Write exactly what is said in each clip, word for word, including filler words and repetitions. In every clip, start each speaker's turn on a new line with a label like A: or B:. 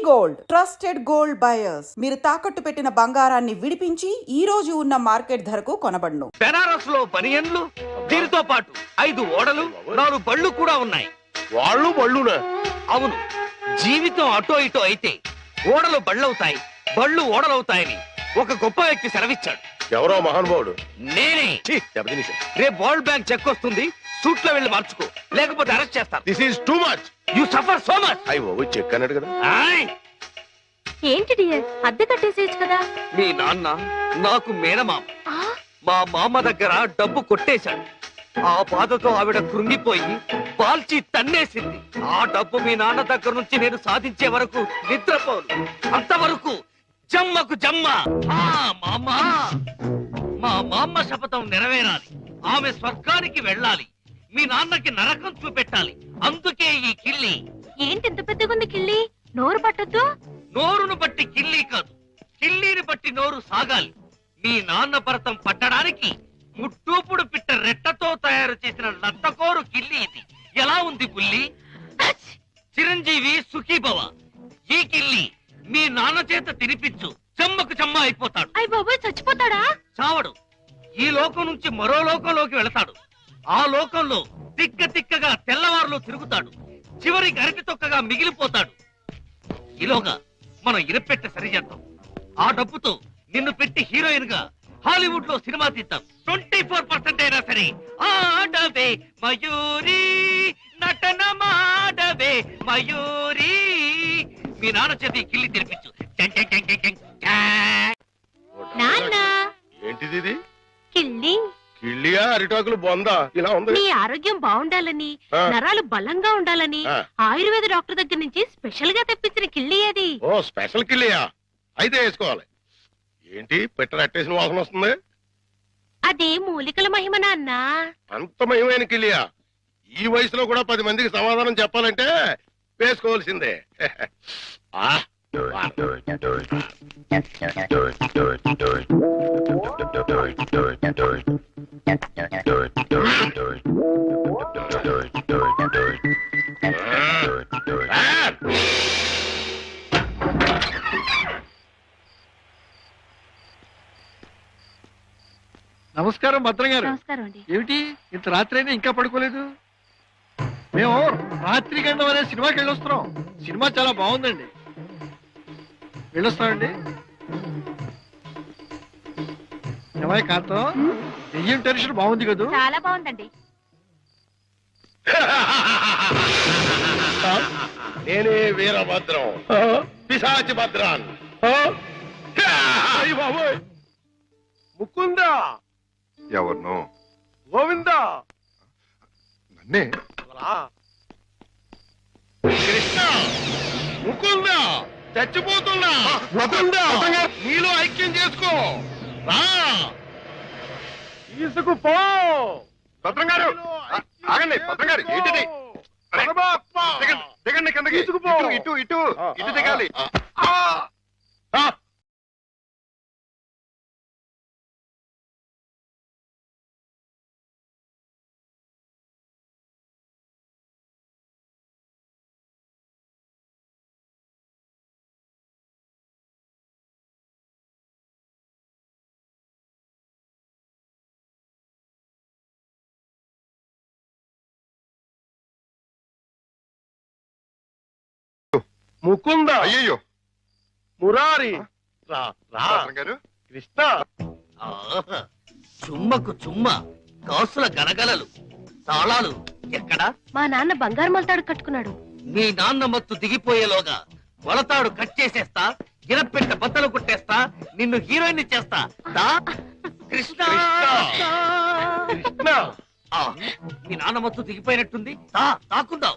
A: Gold trusted gold buyers మీరు తాకట్టు పెట్టిన బంగారాన్ని విడిపించి ఈ రోజు ఉన్న మార్కెట్ ధరకు కొనబడును.
B: బెనారస్ లో బనియన్లు దీనితో పాటు ఐదు ఓడలు నాలుగు బళ్ళు కూడా ఉన్నాయి.
C: వాళ్ళు బళ్ళునా?
B: అవును, జీవితం అటో ఇటో అయితే ఓడలు బళ్ళవుతాయి, బళ్ళు ఓడలవుతాయని ఒక గొప్ప వ్యక్తి సెలవిచ్చాడు.
C: ఎవరో మహానుభావుడు.
B: నేనే. రేపు వరల్డ్ బ్యాంక్ చెక్ వస్తుంది, సూట్ లో వెళ్ళి మార్చుకో, లేకపోతే అరెస్ట్ చేస్తాను.
C: This is too much.
B: You suffer so much.
C: అయ్యో చెక్ అన్నాడు కదా.
D: ఏంటి డియర్, అద్దె కట్టేసేయచ్చు కదా.
B: మీ నాన్న నాకు మేనమామ. మా మామ దగ్గర డబ్బు కొట్టేశాడు. ఆ బాధతో ఆవిడ కృంగిపోయి పాల్చి తన్నేసింది. ఆ డబ్బు మీ నాన్న దగ్గర నుంచి నేను సాధించే వరకు నిద్రపోను. అంతవరకు జమ్మకు జమ్మ. ఆ మామ, మా మామ శపథం నెరవేరాలి. ఆమె స్వర్గానికి వెళ్ళాలి, మీ నాన్నకి నరకం చూపెట్టాలి. అందుకే ఈ కిల్లి.
D: ఏంటి ఇంత పెద్దగుంది కిల్లి? నోరు పట్టొద్దు.
B: నోరును బట్టి కిల్లి కాదు, కిల్లీని బట్టి నోరు సాగాలి. మీ నాన్న భరతం పట్టడానికి ముట్టూపుడు పిట్ట రెట్టతో తయారు చేసిన లత్తకోరు కిల్లి ఇది. ఎలా ఉంది బుల్లి? చిరంజీవి సుఖీభవ. ఈ కిల్లి మీ నాన్న చేత తినిపించు, చెమ్మకు చెమ్మ అయిపోతాడు.
D: అయ్య బాబోయ్, చచ్చిపోతాడా?
B: చావడు. ఈ లోకం నుంచి మరో లోకంలోకి వెళతాడు. ఆ లోకంలో తిక్క తిక్కగా తెల్లవారులో తిరుగుతాడు. చివరికి అరటి తొక్కగా మిగిలిపోతాడు. ఈలోగా మనం ఇరపెట్ట సరిచేద్దాం. ఆ డబ్బుతో నిన్ను పెట్టి హీరోయిన్ గా హాలీవుడ్ లో సినిమా తీద్దాం. ట్వంటీ ఫోర్ పర్సెంట్ అయినా సరే ఆడవే మయూరి, నటన మాడవే మయూరి. మీ నాన్న చేతి కిల్లి తెరిపించు.
D: నాన్న,
C: ఏంటిది ఇది?
D: కిల్లి.
C: కిళ్ళియా అరిటాకులు బొందా ఇలా ఉంది?
D: నీ ఆరోగ్యం బాగుండాలని,
C: ఆ.
D: నరాలు బలంగా ఉండాలని
C: ఆ.
D: ఆయుర్వేద డాక్టర్ దగ్గర నుంచి స్పెషల్ గా తెప్పించిన కిల్లి అది.
C: ఓ స్పెషల్ కిళ్ళియా? అయితే వేసుకోవాలి. ఏంటి పెట్ట అట్టేసిన వాసన వస్తుంది?
D: అది మూలికల మహిమ నాన్న.
C: అంత మహిమైన కిళ్ళియా? ఈ వయసులో కూడా పది మందికి సమాధానం చెప్పాలంటే వేసుకోవాల్సిందే. ఆ
E: నమస్కారం భద్రం గారు.
D: నమస్కారం అండి.
E: ఏమిటి ఇంత రాత్రి అయినా ఇంకా పడుకోలేదు? మేము రాత్రి గండం అనే సినిమాకి వెళ్ళొస్తున్నాం. సినిమా చాలా బాగుందండి. వెళ్ళొస్తామండి. ఏమయ్య కాంతం, దెయ్యం టెన్షన్ బాగుంది కదూ?
D: చాలా బాగుందండి.
C: నేనే వీరభద్రం, పిశాచి భద్రాన్. ముకుందా,
F: ఎవరినో
C: గోవిందా,
F: నన్నే.
C: కృష్ణ, ముకుందా, చచ్చిపోతున్నా. ముకుందా, నీలో ఐక్యం చేసుకో. రా, తీసుకుపో.
F: భద్రం గారు ఆగండి. భద్రం గారు ఏంటిది? దిగండి, దిగండి కిందకి.
C: తీసుకుపో.
F: ఇటు ఇటు ఇటు దిగాలి.
C: ముకుందా,
F: అయ్యయ్యో
C: మురారి, రా రా.
F: భద్రం గారు,
C: కృష్ణ,
B: ఆహా, చుమ్మకు చుమ్మ, కాసుల గలగలలు, తాళాలు ఎక్కడా?
D: మా నాన్న బంగారు మొలతాడు కట్టుకున్నాడు.
B: మీ నాన్న మత్తు దిగిపోయేలోగా మొలతాడు కట్ చేసేస్తా, గిరపెట్ట బద్దలు కొట్టేస్తా, నిన్ను హీరోయిన్ చేస్తా. దా కృష్ణ.
C: కృష్ణ,
B: ఆ, మీ నాన్న మత్తు దిగిపోయినట్టుంది. దా తాకుందాం.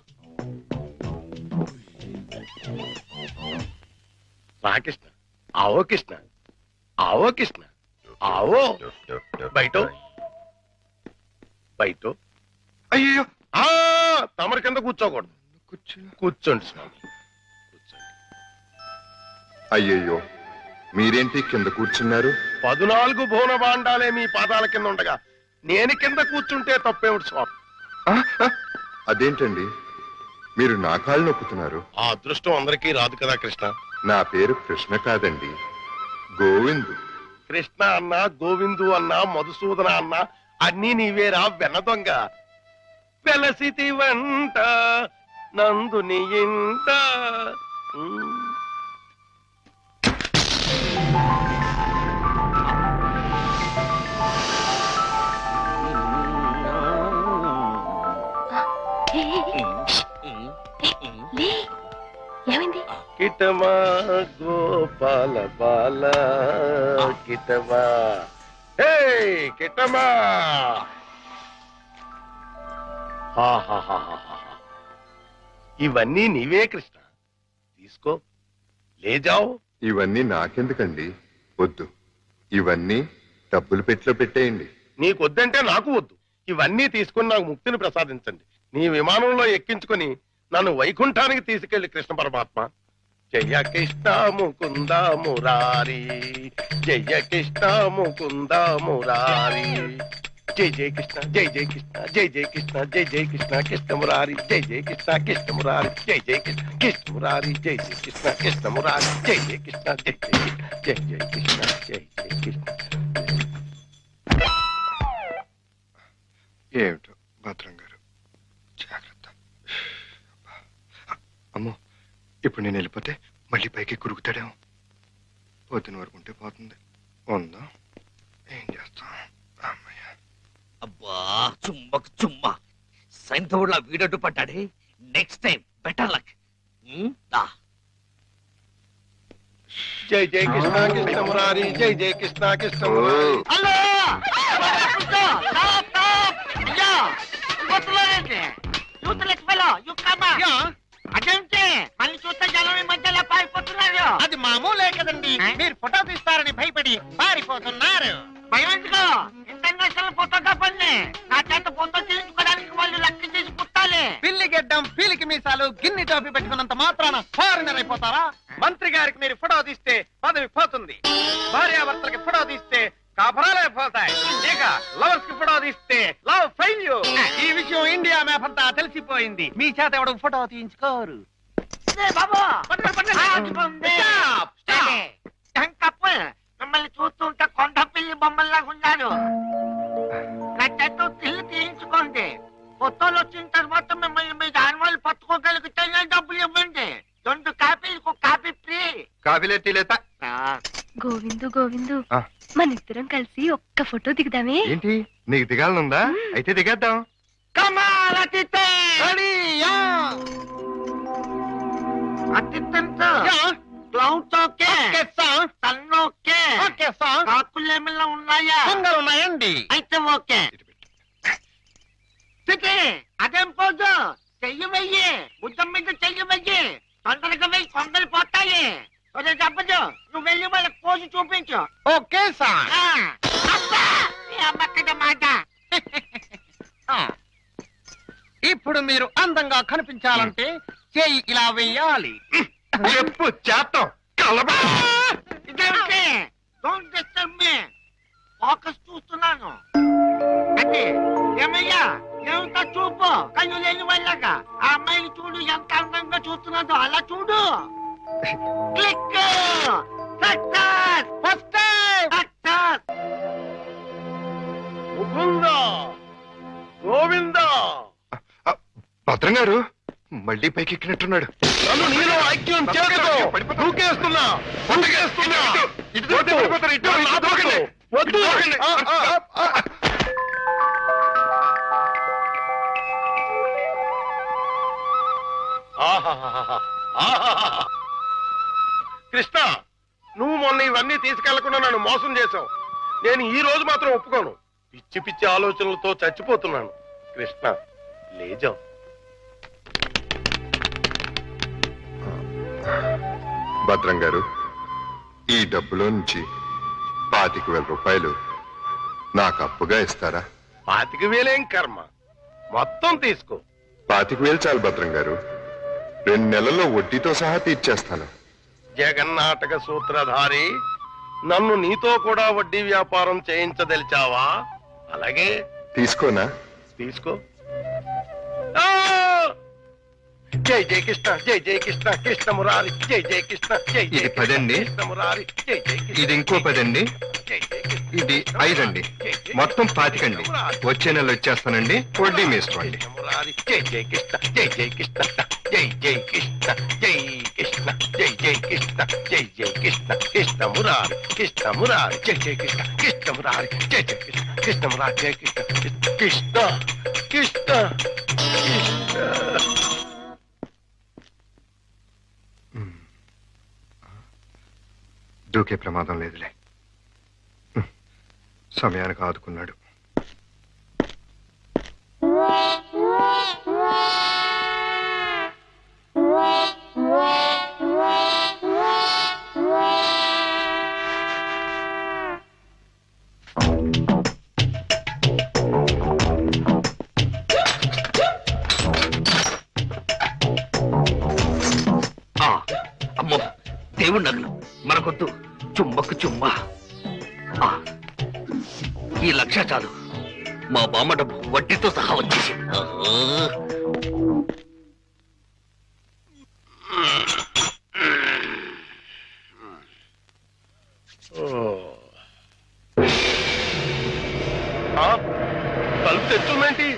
C: రా కృష్ణ. ఆవో కృష్ణ, ఆవో కృష్ణ, ఆవో. బయట బయట.
F: అయ్యయ్యో
C: ఆ తమరి కింద కూర్చోకూడదు.
F: కూర్చో.
C: కూర్చోండి స్వామి, కూర్చోండి.
F: అయ్యయ్యో మీరేంటి కింద కూర్చున్నారు?
C: పదునాలుగు భువన భాండాలే మీ పాదాల కింద ఉండగా నేను కింద కూర్చుంటే తప్పేమిటి స్వామి?
F: ఆ, ఆ, అదేంటండి మీరు నా కాళ్ళు నొక్కుతున్నారు.
C: ఆ అదృష్టం అందరికీ రాదు కదా కృష్ణ.
F: నా పేరు కృష్ణ కాదండి, గోవిందు.
C: కృష్ణ అన్నా, గోవిందు అన్నా, మధుసూదన అన్నా అన్నీ నీవేరా వెన్న దొంగ. వెలసితి వంట నందుని ఇంట. ఉమ్.
D: ఏ, ఏ, ఏ, లే. ఏమైంది?
C: కిటమా గోపాల బాల కిటమా. హే కిటమా. ఆహాహాహాహా. ఇవన్నీ నీవే కృష్ణ, తీసుకో, లేజావు.
F: ఇవన్నీ నాకెందుకండి? వద్దు, ఇవన్నీ డబ్బులు పెట్టిలో పెట్టేయండి.
C: నీకొద్దంటే నాకు వద్దు. ఇవన్నీ తీసుకుని నాకు ముక్తిని ప్రసాదించండి. నీ విమానంలో ఎక్కించుకొని నన్ను వైకుంఠానికి తీసుకెళ్లి కృష్ణ పరమాత్మ. జయ కృష్ణ ముకుంద మురారి, జయ కృష్ణ ముకుంద మురారి. జై జై కృష్ణ, జై జై కృష్ణ, జై జై కృష్ణ, జై జై కృష్ణ కృష్ణ మురారి, జై జై కృష్ణ కృష్ణ మురారి, జై జై కృష్ణ కృష్ణ మురారి, జై జై కృష్ణ కృష్ణ మురారి, జై జై కృష్ణ, జై జై కృష్ణ, జై జై కృష్ణ, జై జై కృష్ణ.
F: ఏమిటో భద్రం గారు, జాగ్రత్త. అమ్మో, ఇప్పుడు నేను వెళ్ళిపోతే మళ్ళీ పైకి కురుకుతాడేమో. పొద్దున వరకు ఉంటే పోతుంది. ఉందా, ఏం చేస్తాం? అమ్మయ్య.
B: అబ్బా చుమ్మకు చుమ్మా, సైంధవుడిలా వీడడ్డు పడ్డాడే. Next time better luck.
C: జై జై కృష్ణ కృష్ణ మురారి, జై జై కృష్ణ కృష్ణ మురారి.
B: హలో
G: అదేంటి మళ్ళీ చూస్తే జనం ఈ మధ్యలో పారిపోతున్నారు. అది మామూలే కదండి, మీరు ఫోటో తీస్తారని భయపడి పారిపోతున్నారు. భయం ఎందుకు? ఇంటర్నేషనల్ ఫోటోగ్రాఫర్ని నా చేత ఫోటో తీయించుకోవడానికి వాళ్ళు లెక్క చేసి పుట్టాలి. పిల్లి గెడ్డం, పీలికి మీసాలు, గిన్ని టోపీ పెట్టుకున్నంత మాత్రాన ఫారినర్ అయిపోతారా? మంత్రి గారికి మీరు ఫోటో తీస్తే పదవి పోతుంది, భార్యాభర్తలకి ఫోటో తీస్తే కాపురాలే పోతాయి, ఇక లవర్స్ కి ఫోటో తీస్తే లవ్ ఫెయిల్యూర్. ఈ విషయం ఇండియా మ్యాప్ అంతా తెలిసిపోయింది. మీ చేత ఎవడు ఫోటో తీయించుకోరు. మిమ్మల్ని చూస్తుంటే కొండ పిల్లి బొమ్మల్లా ఉన్నారు. నా చేత తిల్లు తీయించుకోండి. ఫోటోలు వచ్చిన తర్వాత మిమ్మల్ని మీ దానివాళ్ళు పట్టుకోగలిగితే డబ్బులు ఇవ్వండి. రెండు కాపీలకు కాపీ ఫ్రీ.
F: కాఫీలే టీలేత.
D: గోవిందు గోవిందు,
F: ఆ.
D: మన ఇద్దరం కలిసి ఒక్క ఫోటో దిగుదామే?
F: ఏంటి, నీకు దిగాలనుందా? అయితే దిగేద్దాం.
G: కమాల్ అతిథి రెడీయా? అతిథంతో క్లౌడ్స్ ఓకే, సన్ ఓకే, కాకులు ఏమైనా ఉన్నాయా? ఉన్నాయండి. అయితే ఓకే. తిథి అదేం పోదు, చెయ్యి వెయ్యి, బుద్ధం మీద చెయ్యి వెయ్యి. తొందరగా వెయ్యి, కొందరు పోతాయి. చెప్పదు, నువ్వు వెళ్ళి వాళ్ళకి పోజు చూపించు. Okay sir. అమ్మక్కడ మాట. ఇప్పుడు మీరు అందంగా కనిపించాలంటే చేయి ఇలా వెయ్యాలి.
C: చెప్పు చేస్తాం.
G: ఇదేంటి? Don't disturb me. ఫోకస్ చూస్తున్నాను. అంటే ఏమయ్యా, ఏమిటా చూపు? కళ్ళు లేని వాళ్ళగా ఆ అమ్మాయిని చూడు, ఎంత అందంగా చూస్తున్నాదో అలా చూడు. Click. Success. First time success.
C: Mukunda Govinda.
F: Bhadram గారు మళ్ళీ పైకి ఎక్కినట్టున్నాడు.
C: నన్ను నీలో ఐక్యం చేస్తూ దూకేస్తున్నా, దూకేస్తున్నా. వద్దు. ఆహాహాహా. ఆహాహాహా. కృష్ణ, నువ్వు మొన్న ఇవన్నీ తీసుకెళ్లకుండా నన్ను మోసం చేశావు. నేను ఈ రోజు మాత్రం ఒప్పుకోను. పిచ్చి పిచ్చి ఆలోచనలతో చచ్చిపోతున్నాను. కృష్ణ, లేజా.
F: భద్రం గారు, ఈ డబ్బులో నుంచి పాతిక వేల రూపాయలు నాకు అప్పుగా ఇస్తారా?
C: పాతిక వేలేం కర్మ, మొత్తం తీసుకో.
F: పాతిక వేలు చాలు భద్రం గారు, రెండు నెలల్లో వడ్డీతో సహా తీర్చేస్తాను.
C: జగన్నాటక సూత్రధారి, నన్ను నీతో కూడా వడ్డీ వ్యాపారం చేయించదలిచావా? అలాగే
F: తీసుకోనా?
C: తీసుకో. జై జై కృష్ణ జై జై కృష్ణ కృష్ణ మురారి జై జై కృష్ణ జై జై
F: ఇది పదండి.
C: కృష్ణ మురారి జై జై కృష్ణ
F: ఇది ఇంకో పదండి.
C: జై జై కృష్ణ
F: ఇది ఐదండి. మొత్తం పాతికండి. వచ్చే నెల వచ్చేస్తానండి. వడ్డీ మీ ఇష్టం అండి.
C: కృష్ణ మురారి జై జై కృష్ణ జై జై కృష్ణ జై జై కృష్ణ జై కృష్ణ జై జై కృష్ణ జై జై కృష్ణ కృష్ణ మురారి కృష్ణ మురారి జై జై కృష్ణ కృష్ణ మురారి జై జై కృష్ణ కృష్ణ మురారి జై కృష్ణ కృష్ణ కృష్ణ కృష్ణ
F: దూకే ప్రమాదం లేదులే. హ్మ్. సమయానికి ఆదుకున్నాడు.
B: ఆ, అమ్మో దేవుడి నగలు మనకొద్దు. చుమ్మకు చుమ్మ. ఆ, ఈ లక్ష చాలు. మా బామ్మ డబ్బు వడ్డీతో సహా వచ్చేసి.
C: తలుపు తెచ్చుందేంటి?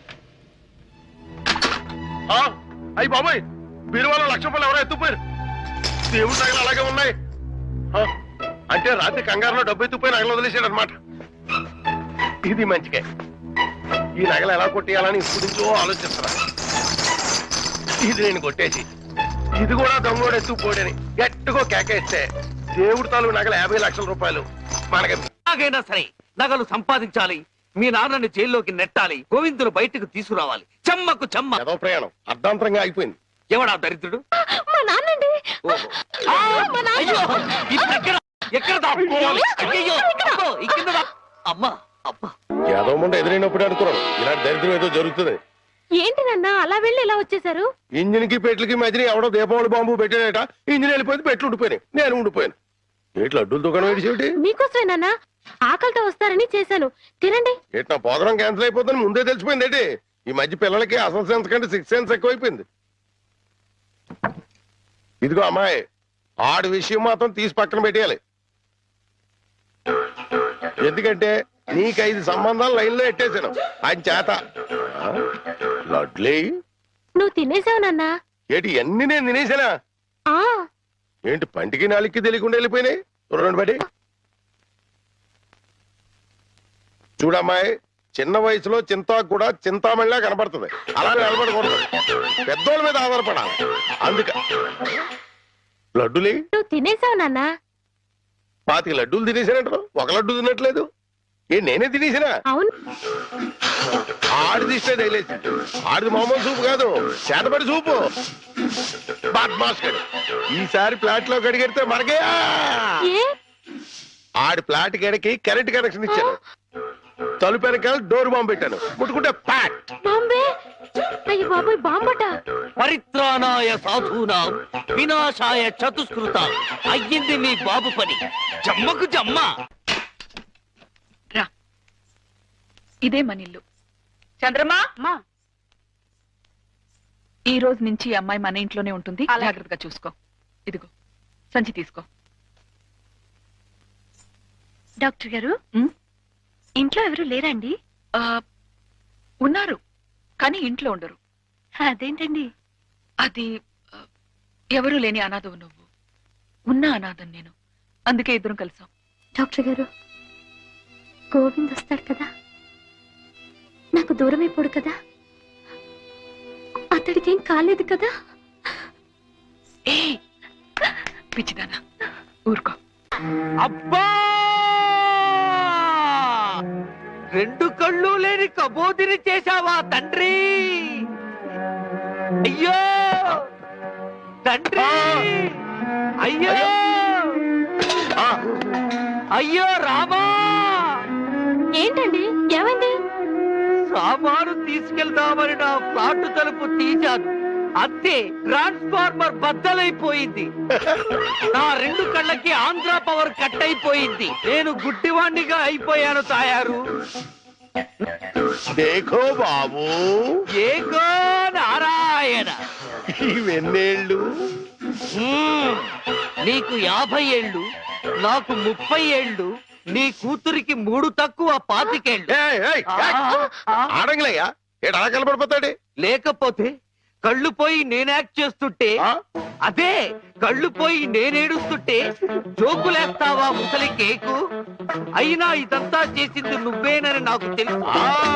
C: అయ్యి బాబాయ్, బీరువాలో లక్ష రూపాయలు ఎవరో ఎత్తుపోయారు. దేవుడి నగలు అలాగే ఉన్నాయి. ఆ, అంటే రాత్రి కంగారులో డబ్బు ఎత్తుపోయి నగలు వదిలేశాడు అనమాట. ఇది మంచిగా. ఈ నగలు ఎలా కొట్టేయాలని ఇప్పుడు నుంచో ఆలోచిస్తున్నా. ఇది నేను కొట్టేసి ఇది కూడా దొంగోడు ఎత్తుకుపోడని గట్టిగా కేకేస్తే దేవుడి తాలూకు నగలు యాభై లక్షల రూపాయలు మనకి.
B: ఎలాగైనా సరే నగలు సంపాదించాలి. మీ నాన్నని జైల్లోకి నెట్టాలి. గోవిందులు బయటకు తీసుకురావాలి. చెమ్మకు చెమ్మ.
C: ఏదో ప్రయాణం అర్ధాంతరంగా అయిపోయింది.
B: ఎవడా దరిద్రుడు?
D: మా నాన్నండి.
B: ఓహో. ఆ, అయ్యో, ఇది ఎక్కడ ఎక్కడ దాక్కోవాలి? అయ్యయ్యో, అబ్బో, ఈ కింద దా- అమ్మా అబ్బా.
C: ఏదో ముందు ఎదురైనప్పుడు అనుకున్నాను ఇలాంటి దరిద్రం ఏదో జరుగుతుంది.
D: ఏంటి నాన్న అలా వెళ్ళి ఇలా వచ్చేసారు?
C: ఇంజిన్ కి పెట్లకి మధ్యన ఎవడో దీపావళి బాంబు పెట్టాడట. ఇంజిన్ వెళ్ళిపోయింది, పెట్లు ఉండిపోయినాయి. నేను ఉండిపోయాను. ఏట్లు అడ్డుల దుకాణం ఏడిసేటి?
D: మీకోసమే నాన్న, ఆకలితో వస్తారని చేశాను. తినండి.
C: ఏటి నా ప్రోగ్రాం క్యాన్సిల్ అయిపోతుంది ముందే తెలిసిపోయింది ఏంటి? ఈ మధ్య పిల్లలకి అసలు సెన్స్ కంటే సిక్స్ సెన్స్ ఎక్కువైపోయింది. ఇదిగో అమ్మాయి, ఆడి విషయం మాత్రం తీసి పక్కన పెట్టేయాలి. ఎందుకంటే నీకు ఐదు సంబంధాలు లైన్ లో ఎట్టేశాను ఆయన చేత. ఆ, లడ్లీ
D: నువ్వు తినేసావు నాన్న.
C: ఏటి అన్ని నేను తినేసానా?
D: ఆ
C: ఏంటి పంటికి నాలుగుకి తెలియకుండా వెళ్ళిపోయినాయి? రెండు బట్టి చూడమ్మాయి, చిన్న వయసులో చింతాకు కూడా చింతామణిలా కనపడుతుంది. అలా నిలబడకూడదు, పెద్దోళ్ళ మీద ఆధారపడాలి. అందుక లడ్డులే
D: నువ్వు తినేసావు నాన్న.
C: పాతిక లడ్డూలు తినేసానంటారు, ఒక లడ్డు తినట్లేదు. ఏ నేనే తినేసినా?
D: అవును.
C: ఆడిది ఇష్టే తగిలేసి. ఆడిది మామూలు సూపు కాదు, చేతపడి సూపు. బాద్మాస్కర్ ఈసారి ప్లాట్ లో కడిగెడితే మనకే.
D: ఏ
C: ఆడి ప్లాట్ గడికి కరెంట్ కనెక్షన్ ఇచ్చాను. తలుపు వెనకాల డోర్ బాంబు పెట్టాను. ముట్టుకుంటే ప్యాట్.
D: బాంబే. అయ్యి బాబోయ్, బాంబట.
B: పరిత్రాణాయ సాధూనాం వినాశాయ చతుష్కృత. అయ్యింది మీ బాబు పని. జమ్మకు జమ్మ.
H: రా, ఇదే మనిల్లు. చంద్రమా, ఈ రోజు నుంచి ఈ అమ్మాయి మన ఇంట్లోనే ఉంటుంది. జాగ్రత్తగా చూసుకో. ఇదిగో సంచి తీసుకో.
D: డాక్టర్ గారు,
H: ఉమ్,
D: ఇంట్లో ఎవరు లేరండి?
H: ఆ, ఉన్నారు కానీ ఇంట్లో ఉండరు.
D: అదేంటండి?
H: అది ఆ, ఎవరూ లేని అనాథవు నువ్వు, ఉన్న అనాథం నేను. అందుకే ఇద్దరం కలిసాం.
D: డాక్టర్ గారు, గోవింద్ వస్తాడు కదా, నాకు దూరం అయిపోడు కదా, అతడికి ఏం కాలేదు కదా?
H: ఏ పిచ్చిదానా, ఊరుకో.
B: అబ్బా, రెండు కళ్ళు లేని కబోదిని చేశావా తండ్రి? అయ్యో తండ్రి, అయ్యో అయ్యో రామా.
D: ఏంటండి, ఏమైంది?
B: సామాను తీసుకెళ్దామని నా ఫ్లాట్ తలుపు తీశాను, అంతే ట్రాన్స్ఫార్మర్ బద్దలైపోయింది. నా రెండు కళ్ళకి ఆంధ్ర పవర్ కట్ అయిపోయింది. నేను గుడ్డివాణ్ణిగా అయిపోయాను తాయారు.
C: దేఖో బాబు,
B: ఏకో నారాయణ.
C: ఇవెన్నేళ్ళు
B: మ్మ్. నీకు యాభై ఏళ్ళు నాకు ముప్పై ఏళ్ళు నీ కూతురికి మూడు తక్కువ పాతికేళ్ళు
C: ఏయ్, ఏయ్, ఏయ్. ఆడంగిలయ్యా ఏడు అలా కలపడిపోతాడు
B: లేకపోతే కళ్ళు పోయి నేను యాక్ట్ చేస్తుంటే అదే కళ్ళు పోయి నేనేడుస్తుంటే జోకులేస్తావా ముసలి కేకు అయినా ఇదంతా చేసింది నువ్వేనని నాకు తెలుసు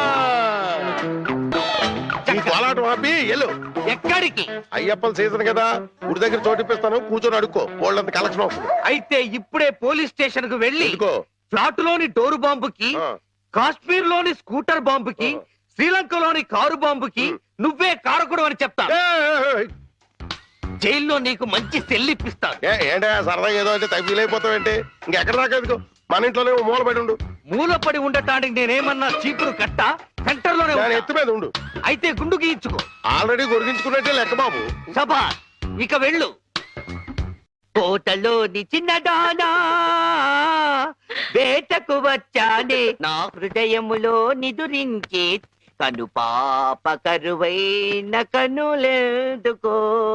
C: కోలాటం ఆపి ఎల్లు.
B: ఎక్కడికి?
C: అయ్యప్పల సీజన్ కదా గుడి దగ్గర చోటిప్పిస్తాను కూర్చొని అడుక్కో వాళ్ళంత కలెక్షన్ వస్తుంది.
B: అయితే ఇప్పుడే పోలీస్ స్టేషన్ కు వెళ్ళి
C: ఎందుకో?
B: ఫ్లాట్ లోని డోరు బాంబుకి
C: ఆ.
B: కాశ్మీర్ లోని స్కూటర్ బాంబుకి
C: ఆ.
B: శ్రీలంకలోని కారు బాంబుకి నువ్వే కారకుడు అని చెప్తా.
C: ఏయ్,
B: జైల్లో నీకు మంచి సెల్లిప్పిస్తాను.
C: ఏ, ఏంటా సరదాగా ఏదో అంటే తగ్గి అయిపోతావేంటి ఇంకెక్కడ దాకా ఎందుకో మన ఇంట్లోనే ఓ మూల పడి ఉండు.
B: మూలపడి ఉండటానికి నేనేమన్నా చీపురు కట్ట సెంటర్ లోనే
C: దాని
B: ఉంటా.
C: ఎత్తు మీద ఉండు.
B: అయితే గుండు గీయించుకో.
C: ఆల్రెడీ గొరిగించుకున్నట్టే లెక్క బాబు.
B: సభా ఇక వెళ్ళు. కోటలోని చిన్నదానా వేటకు వచ్చానే నా హృదయములో నిదురించే కను పాప కరువైన కనులెందుకో.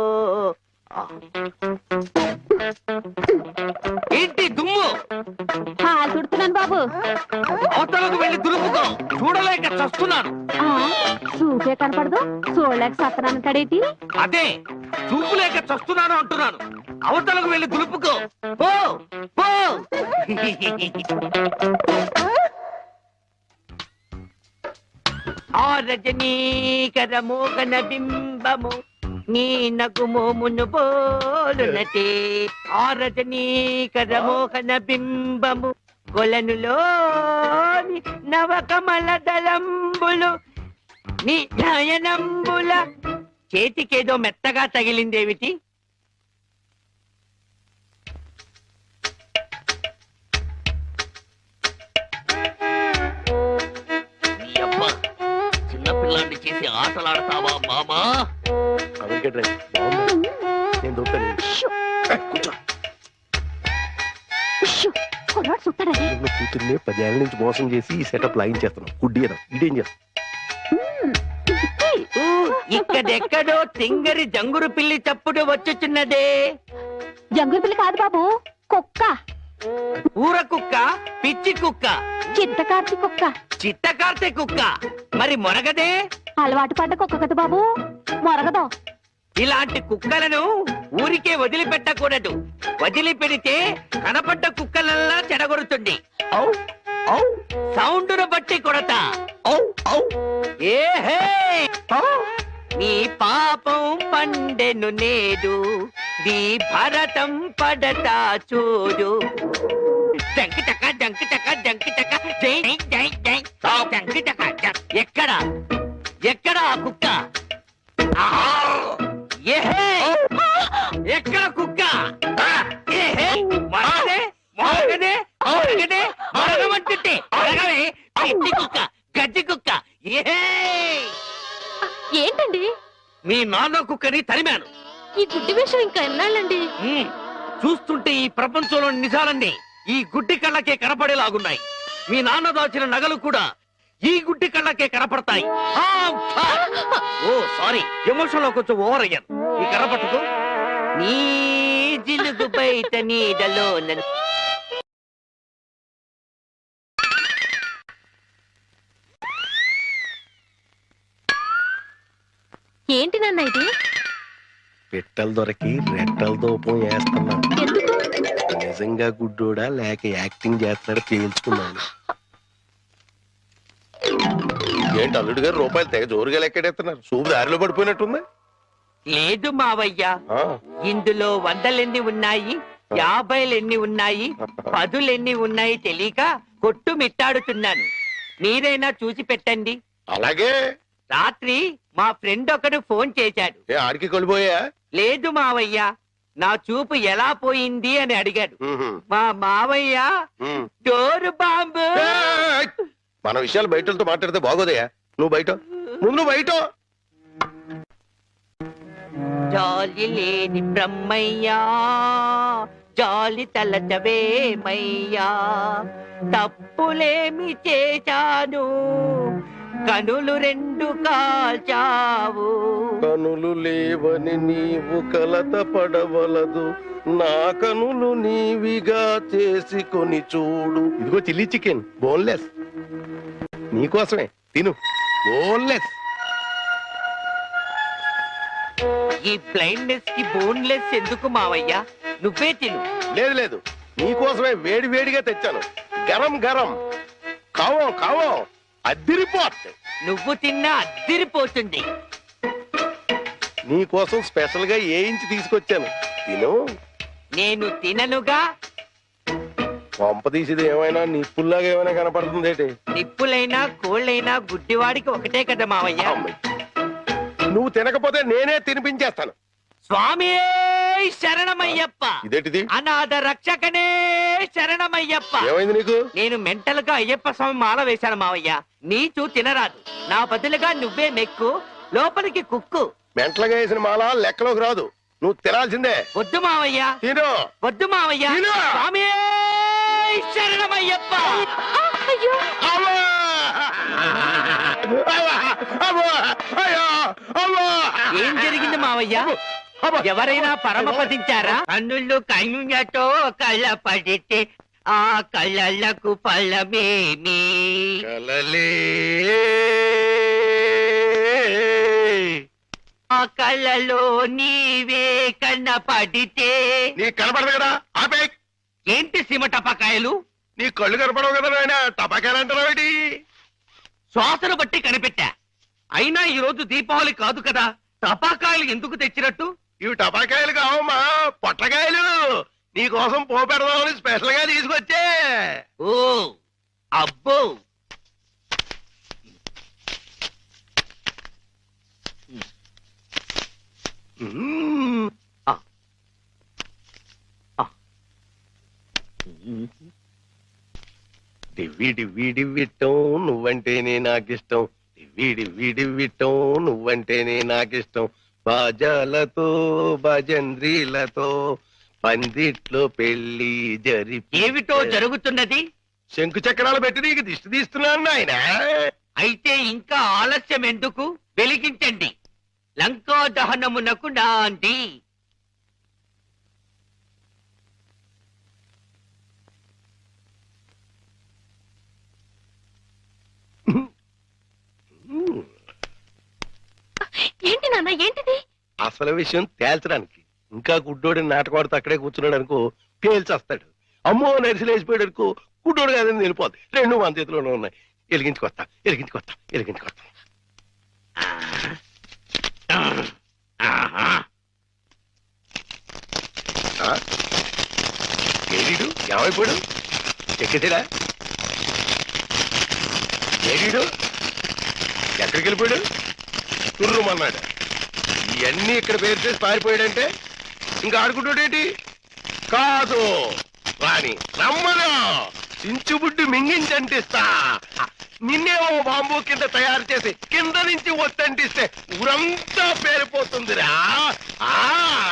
B: ఏంటి దుమ్ము?
D: చుడుతున్నాను బాబు.
B: అవతలకు వెళ్ళి దులుపుకో. చూడలేక చస్తున్నాను.
D: చూసే కనపడదు చూడలేక సత్తనాను తడేటి.
B: అదే చూపు లేక చస్తున్నాను అంటున్నాను. అవతలకు వెళ్ళి దులుపుకో. పో పో. ఆ రజనీకర మోగన బింబము నీ నగు మోమును బోలునటే. ఆ రజనీకర మోహన బింబము కొలనులోని నవకమల దళంబులు నీ నయనంబుల. చేతికేదో మెత్తగా తగిలిందేమిటి? నీ అబ్బ చిన్నపిల్లాన్ని చేసి ఆటలాడతావా మామా?
C: అందుకే డ్రై బాగుంది. నేను దొరుకుతాను. కూర్చో.
D: కొన్నాడు చుట్టాడని
C: ఉన్న కూతుర్ని పదేళ్ల నుంచి మోసం చేసి ఈ సెటప్ లాగించేస్తున్నాం. గుడ్డి కదా ఇదేం చేస్తాం?
B: ఊ, ఇక్కడెక్కడో తింగరి జంగురు పిల్లి చప్పుడు వచ్చుచున్నదే.
D: జంగుల పిల్ల కాదు బాబు, కుక్క.
B: ఊర కుక్క, పిచ్చి కుక్క,
D: చిత్తకార్తి కుక్క.
B: చిత్తకార్తె కుక్క. మరి మొరగదే?
D: అలవాటు పడ్డ కుక్క కదా బాబు, మొరగదు.
B: ఇలాంటి కుక్కలను ఊరికే వదిలిపెట్టకూడదు. వదిలిపెడితే కనపడ్డ కుక్కలల్లా చెడగొడుతుంది. ఔ, ఔ, సౌండును బట్టి కొడతా. ఔ, ఔ. ఏహే, ఔ. నీ పాపం పండెను నేడు, నీ భరతం పడతా చూడు. డంకి టక డంకి టక డంకి టక జై జై జై డంకి టక జం. ఎక్కడ ఎక్కడ ఆ కుక్క? ఏహే, ఎక్కడ కుక్క? ఏహే, మొరగదే మొరగదే మొరగదే మొరగమంటుంటే మొరగవే పిచ్చి కుక్క, గజ్జి కుక్క. ఏహే,
D: ఏంటండి
B: మీ నాన్న కుక్కని తరిమాను.
D: ఈ గుడ్డి విషయం ఇంకా ఎన్నాళ్ళండి?
B: ఉమ్, చూస్తుంటే ఈ ప్రపంచంలోని నిజాలన్నీ ఈ గుడ్డి కళ్ళకే కనపడేలాగున్నాయి. మీ నాన్న దాచిన నగలు కూడా ఈ గుడ్డి కళ్ళకే కనపడతాయి. ఆ, ఫా. ఓ సారీ, ఎమోషన్ లో కొంచెం ఓవర్ అయ్యాను. ఈ కనపడదు. నీ జిలుగు బయట నీడలో నన్ను.
D: ఏంటి నాన్న ఇది?
C: పెట్టెలు దొరికి రెట్టల దూపం వేస్తున్నా.
D: ఎందుకు?
C: నిజంగా గుడ్డోడా లేక యాక్టింగ్ చేస్తున్నాడు తేల్చుకున్నాను. ఏంటి అల్లుడు గారు రూపాయలు తెగ జోరుగా లెక్కెడేస్తున్నారు? సూపు దారిలో పడిపోయినట్టుంది.
B: లేదు మావయ్య,
C: ఆ,
B: ఇందులో వందలెన్ని ఉన్నాయి, యాభైలెన్ని ఉన్నాయి, పదులెన్ని ఉన్నాయి తెలియక కొట్టు మిట్టాడుతున్నాను. మీరైనా చూసి పెట్టండి.
C: అలాగే.
B: రాత్రి మా ఫ్రెండ్ ఒకడు ఫోన్ చేశాడు.
C: ఏ ఆడికి కొలిపోయా?
B: లేదు మావయ్య, నా చూపు ఎలా పోయింది అని అడిగాడు. మా మావయ్య డోరు బాంబు.
C: ఏయ్! మన విషయాలు బయటతో మాట్లాడితే బాగోదయా? నువ్వు బయట ముందు నువ్వు బయట.
B: జాలి లేని బ్రహ్మయ్యా, జాలి తలచవేమయ్యా, తప్పులేమి చేశాను,
G: కనులు రెండు కాల్చావు.
C: కనులు లేవని నీవు కలత పడవలదు, నా కనులు నీవిగా చేసుకొని చూడు. ఇదిగో చిల్లీ చికెన్ బోన్లెస్ నీకోసమే, తిను. బోన్లెస్.
G: ఈ బ్లైండ్నెస్ కి బోన్లెస్ ఎందుకు మావయ్య? నువ్వే తిను.
C: లేదు లేదు, నీకోసమే వేడి వేడిగా తెచ్చాను. గరం గరం. కావం కావం. అద్దిరిపోట్.
G: నువ్వు తిన్నా అద్దిరిపోతుంది.
C: నీకోసం స్పెషల్ గా ఏ ఇంచి తీసుకొచ్చాను, తిను.
G: నేను తిననుగా.
C: పంప తీసేది ఏమైనా నిప్పుల్లాగా ఏమైనా కనపడుతుంది ఏంటి?
G: నిప్పులైనా కోళ్ళైనా గుడ్డివాడికి ఒకటే కదా మావయ్య.
C: అమ్మాయి, నువ్వు తినకపోతే నేనే తినిపించేస్తాను.
G: స్వామి శరణమయ్యప్ప.
C: ఇదేంటిది?
G: అనాథ రక్షకనే శరణమయ్యప్ప.
C: ఏమైంది నీకు?
G: నేను మెంటల్ గా అయ్యప్ప స్వామి మాల వేశాను మావయ్య. నీచు తినరాదు, నా బదులుగా నువ్వే మెక్కు, లోపలికి కుక్కు.
C: మెంటలుగా వేసిన మాల లెక్కలోకి రాదు, నువ్వు తినాల్సిందే.
G: వద్దు మావయ్య,
C: తిను.
G: వద్దు మావయ్య.
C: తిను.
G: స్వామి శరణమయ్యప్ప.
D: అయ్యో
C: అమ్మా! అమ్మా! అమ్మా! అయ్యో! అమ్మా!
G: ఏం జరిగింది మావయ్య?
C: అమ్మా!
G: ఎవరైనా పరమపదించారా? కన్నుళ్ళు కన్నులతో కళ్ళ పడితే ఆ కళ్ళకు ఫలమేమి?
C: కలలే
G: ఆ కళ్ళలో నీవే కన్న పడితే.
C: నీ కనపడదు కదా, ఆపే.
B: ఏంటి సీమ టపాకాయలు?
C: నీ కళ్ళు కనపడవు కదా నాయన, టపాకాయలు అంటారావేటి?
B: శ్వాసను బట్టి కనిపెట్టా. అయినా ఈ రోజు దీపావళి కాదు కదా, టపాకాయలు ఎందుకు తెచ్చినట్టు?
C: ఇవి టపాకాయలు కావమ్మా, పొట్లకాయలు. నీ కోసం పోపెడదామని స్పెషల్ గా తీసుకొచ్చే.
B: ఓ అబ్బో,
C: మ్మ్. డివ్వి డివ్వి డివ్విట్టం నువ్వంటేనే నాకిష్టం, డివ్వి డివ్వి డివ్విట్టం నువ్వంటేనే నాకిష్టం. బాజాలతో భజంద్రీలతో పందిట్లో పెళ్లి జరిపి.
B: ఏమిటో జరుగుతున్నది?
C: శంకు చక్రాలు పెట్టి నీకు దిష్టి తీస్తున్నాను ఆయన.
B: అయితే ఇంకా ఆలస్యం ఎందుకు? వెలిగించండి. లంకా దహనమునకు నాంది.
D: ఏంటి నాన్న, ఏంటిది?
C: అసలు విషయం తేల్చడానికి. ఇంకా గుడ్డోడి నాటకవాడితో అక్కడే కూర్చున్నాడు అనుకో, పేల్చేస్తాడు. అమ్మో నరిసిలేసిపోయాడు అనుకో, గుడ్డోడు కాదని వెళ్ళిపోద్ది. రెండు మన చేతిలోనే ఉన్నాయి. వెలిగించుకొస్తా వెలిగించుకొస్తా వెలిగించుకొస్తా. ఏడీడు ఏమైపోయాడు? ఎక్కడా ఏడీడు? ఎక్కడికి వెళ్ళిపోయాడు? తుర్రుమన్నాడు. ఇవన్నీ ఇక్కడ పేరు చేసి పారిపోయాడంటే ఇంకా ఆడుకుంటాడేంటి? కాదు రాని రమ్మను, చించుబుడ్డి మింగించంటిస్తా. నిన్నేమో బాంబు కింద తయారు చేసి కింద నుంచి ఒత్తంటిస్తే ఊరంతా పేరిపోతుందిరా. ఆ